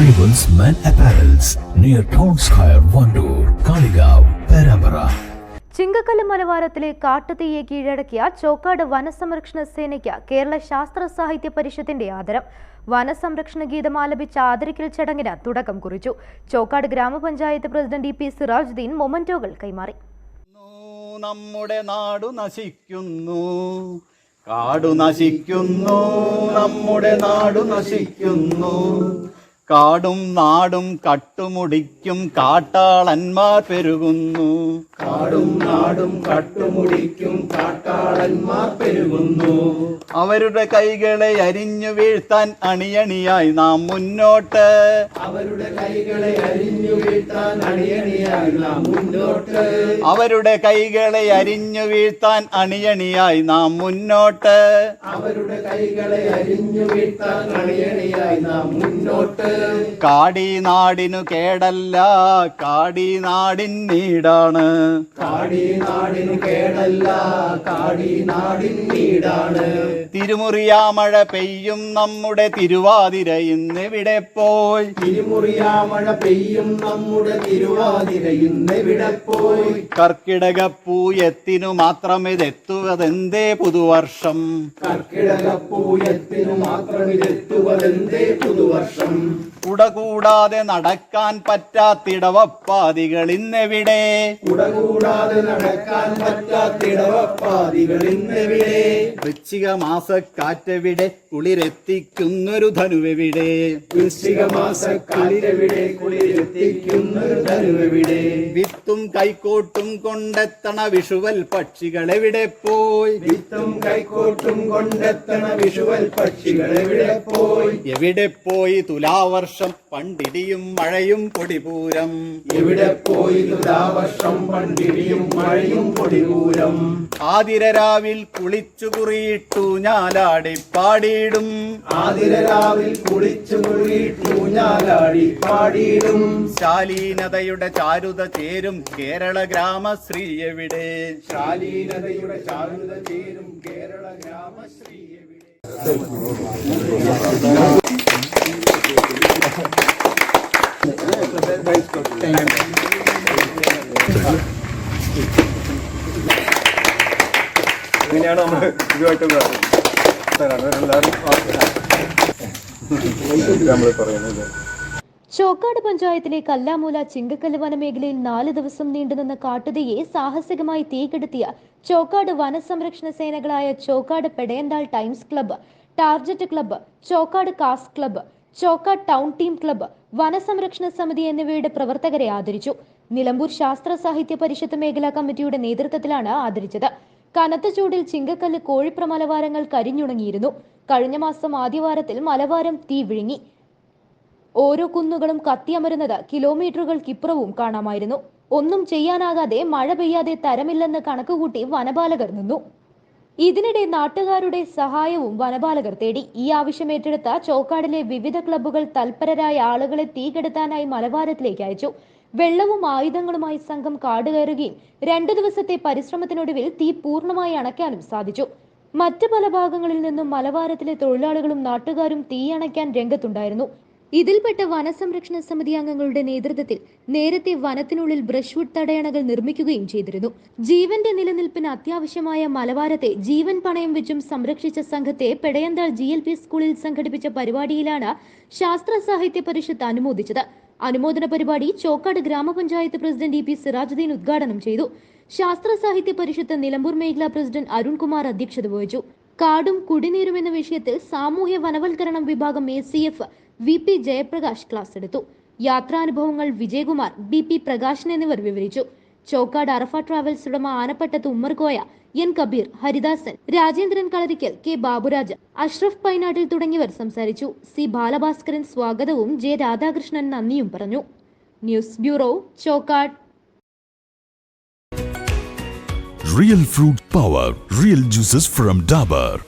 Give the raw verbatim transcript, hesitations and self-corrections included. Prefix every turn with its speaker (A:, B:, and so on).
A: Arrivals Men Apparels near Town Square, Vandoor, Kaligav, Perambara.
B: ചിങ്കക്കല്ല് മലവാരത്തിലെ കാട്ടുതീയെ കീഴടക്കിയ ചോക്കാട് വനസംരക്ഷണ സേനയ്ക്ക് കേരള ശാസ്ത്ര സാഹിത്യ പരിഷത്തിന്റെ ആദരം. വനസംരക്ഷണ ഗീതം ആലപിച്ച ആദരിക്കൽ ചടങ്ങിന് തുടക്കം കുറിച്ചു. ചോക്കാട് ഗ്രാമപഞ്ചായത്ത് പ്രസിഡന്റ് ഇ പി സിറാജുദ്ദീൻ മൊമന്റോകൾ കൈമാറി.
C: നമ്മുടെ നാടു നശിക്കുന്നു, കാടു നശിക്കുന്നു, നമ്മുടെ നാടു നശിക്കുന്നു. കാടും നാടും കട്ടുമുടിക്കും കാട്ടാളന്മാർ പെരുകുന്നു.
D: കാടും നാടും കട്ടുമുടിക്കും കാട്ടാളന്മാർ പെരുകുന്നു.
C: അവരുടെ കൈകളെ അരിഞ്ഞു വീഴ്ത്താൻ അണിയണിയായി നാം മുന്നോട്ട്.
D: അവരുടെ കൈകളെ അരിഞ്ഞു വീഴ്ത്താൻ അണിയണിയായി നാം മുന്നോട്ട്.
C: അവരുടെ കൈകളെ അരിഞ്ഞു വീഴ്ത്താൻ അണിയണിയായി നാം മുന്നോട്ട്.
D: അവരുടെ കൈകളെ അരിഞ്ഞു വീഴ്ത്താൻ അണിയണിയായി നാം മുന്നോട്ട്.
C: കാടി നാടിനു കേടല്ല, കാടി നാടിൻ നീടാണ്.
D: കാടി നാടിനു കേടല്ല, കാടി നാടിൻ നീടാണ്.
C: തിരുമുറിയാ മഴ പെയ്യും നമ്മുടെ തിരുവാതിര ഇന്നെവിടെ പോയി.
D: തിരുമുറിയാ മഴ പെയ്യും നമ്മുടെ തിരുവാതിര ഇന്നെവിടെ പോയി.
C: കർക്കിടകപ്പൂയത്തിനു മാത്രം ഇതെത്തുവതെന്തേ പുതുവർഷം.
D: കർക്കിടകപ്പൂയത്തിനു മാത്രം ഇതെത്തുവതെന്തേ പുതുവർഷം.
C: കുടകൂടാതെ നടക്കാൻ പറ്റാത്തിടവപ്പാതികൾ ഇന്നെവിടെ.
D: കുടകൂടാതെ നടക്കാൻ പറ്റാത്തിടവപ്പാതികൾ ഇന്നെവിടെ.
C: വൃശ്ചിക മാസക്കാറ്റെവിടെ, കുളിരെത്തിക്കുന്നൊരു ധനുവെവിടെ.
D: വൃശ്ചിക മാസക്കാറ്റെവിടെ, കുളിരെത്തിക്കുന്നൊരു ധനുവെവിടെ.
C: വിത്തും കൈക്കോട്ടും കൊണ്ടെത്തണ വിഷുവൽ പക്ഷികൾ എവിടെ പോയി.
D: വിത്തും കൈക്കോട്ടും കൊണ്ടെത്തണ വിഷുവൽ പക്ഷികൾ എവിടെ പോയി.
C: എവിടെ പോയി തുലാവർഷം പണ്ടിടിയും മഴയും പൊടിപൂരം.
D: എവിടെ പോയി തുലാവർഷം പണ്ടിടിയും മഴയും പൊടിപൂരം.
C: ആതിരരാവിൽ കുളിച്ചു കുറിയിട്ടു ഞാലാടി പാടിയിടും.
D: ആതിരരാവിൽ കുളിച്ചു കുറിയിട്ടു ഞാലാടി പാടിയിടും.
C: ശാലീനതയുടെ ചാരുത ചേരും കേരള ഗ്രാമശ്രീ എവിടെ.
D: ശാലീനതയുടെ ചാരുത ചേരും കേരള ഗ്രാമശ്രീ എവിടെ.
E: ഇങ്ങനെയാണ് നമ്മൾ ഇതുമായിട്ട് നമ്മൾ പറയുന്നത്.
B: ചോക്കാട് പഞ്ചായത്തിലെ കല്ലാമൂല ചിങ്കക്കല്ല് വനമേഖലയിൽ നാല് ദിവസം നീണ്ടുനിന്ന കാട്ടുതീയെ സാഹസികമായി തീകെടുത്തിയ ചോക്കാട് വനസംരക്ഷണ സേനകളായ Chokkad Pedayanthal times club, target club, Chokkad കാസ് club, Chokkad town team club, വനസംരക്ഷണ സമിതി എന്നിവയുടെ പ്രവർത്തകരെ ആദരിച്ചു. നിലമ്പൂർ ശാസ്ത്ര സാഹിത്യ പരിഷത്ത് മേഖലാ കമ്മിറ്റിയുടെ നേതൃത്വത്തിലാണ് ആദരിച്ചത്. കനത്ത ചൂടിൽ ചിങ്കക്കല്ല് കോഴിപ്ര മലവാരങ്ങൾ കരിഞ്ഞുണങ്ങിയിരുന്നു. കഴിഞ്ഞ മാസം ആദ്യവാരത്തിൽ മലവാരം തീ വിഴുങ്ങി. ഓരോ കുന്നുകളും കത്തിയമരുന്നത് കിലോമീറ്ററുകൾക്കിപ്പുറവും കാണാമായിരുന്നു. ഒന്നും ചെയ്യാനാകാതെ മഴ പെയ്യാതെ തരമില്ലെന്ന് കണക്കുകൂട്ടി വനപാലകർ നിന്നു. ഇതിനിടെ നാട്ടുകാരുടെ സഹായവും വനപാലകർ തേടി. ഈ ആവശ്യം ഏറ്റെടുത്ത ചോക്കാടിലെ വിവിധ ക്ലബ്ബുകൾ തൽപരരായ ആളുകളെ തീകെടുത്താനായി മലവാരത്തിലേക്ക് അയച്ചു. വെള്ളവും ആയുധങ്ങളുമായി സംഘം കാട് കയറുകയും രണ്ടു ദിവസത്തെ പരിശ്രമത്തിനൊടുവിൽ തീ പൂർണ്ണമായി അണയ്ക്കാനും സാധിച്ചു. മറ്റു പല ഭാഗങ്ങളിൽ നിന്നും മലവാരത്തിലെ തൊഴിലാളികളും നാട്ടുകാരും തീയണയ്ക്കാൻ രംഗത്തുണ്ടായിരുന്നു. ഇതിൽപ്പെട്ട വനസംരക്ഷണ സമിതി അംഗങ്ങളുടെ നേതൃത്വത്തിൽ നേരത്തെ വനത്തിനുള്ളിൽ ബ്രഷ്വുഡ് തടയണകൾ നിർമ്മിക്കുകയും ചെയ്തിരുന്നു. ജീവന്റെ നിലനിൽപ്പിന് അത്യാവശ്യമായ മലവാരത്തെ ജീവൻ പണയം വെച്ചും സംരക്ഷിച്ച സംഘത്തെ പെടയന്താൾ ജി എൽ പി സ്കൂളിൽ സംഘടിപ്പിച്ച പരിപാടിയിലാണ് ശാസ്ത്ര സാഹിത്യ പരിഷത്ത് അനുമോദിച്ചത്. അനുമോദന പരിപാടി ചോക്കാട് ഗ്രാമപഞ്ചായത്ത് പ്രസിഡന്റ് ഇ പി സിറാജുദ്ദീൻ ഉദ്ഘാടനം ചെയ്തു. ശാസ്ത്ര സാഹിത്യ പരിഷത്ത് നിലമ്പൂർ മേഖലാ പ്രസിഡന്റ് അരുൺകുമാർ അധ്യക്ഷത വഹിച്ചു. കാടും കുടിനീരും എന്ന വിഷയത്തിൽ സാമൂഹ്യ വനവൽക്കരണം വിഭാഗം A C F V P Jayaprakash class എടുത്തു. യാത്രാനുഭവങ്ങൾ വിജയകുമാർ, ബി പി പ്രകാശൻ എന്നിവർ വിവരിച്ചു. ചോക്കാട് അറഫ ട്രാവൽസ് ഉടമ ആനപ്പട്ടത്ത് ഉമ്മർകോയ, എൻ കബീർ, ഹരിദാസൻ, രാജേന്ദ്രൻ കളരിക്കൽ, കെ ബാബുരാജ്, അഷ്റഫ് പൈനാട്ടിൽ തുടങ്ങിയവർ സംസാരിച്ചു. സി ബാലഭാസ്കരൻ സ്വാഗതവും ജെ രാധാകൃഷ്ണൻ നന്ദിയും പറഞ്ഞു. News bureau, Chokkad.
A: Real fruit power, real juices from Dabur.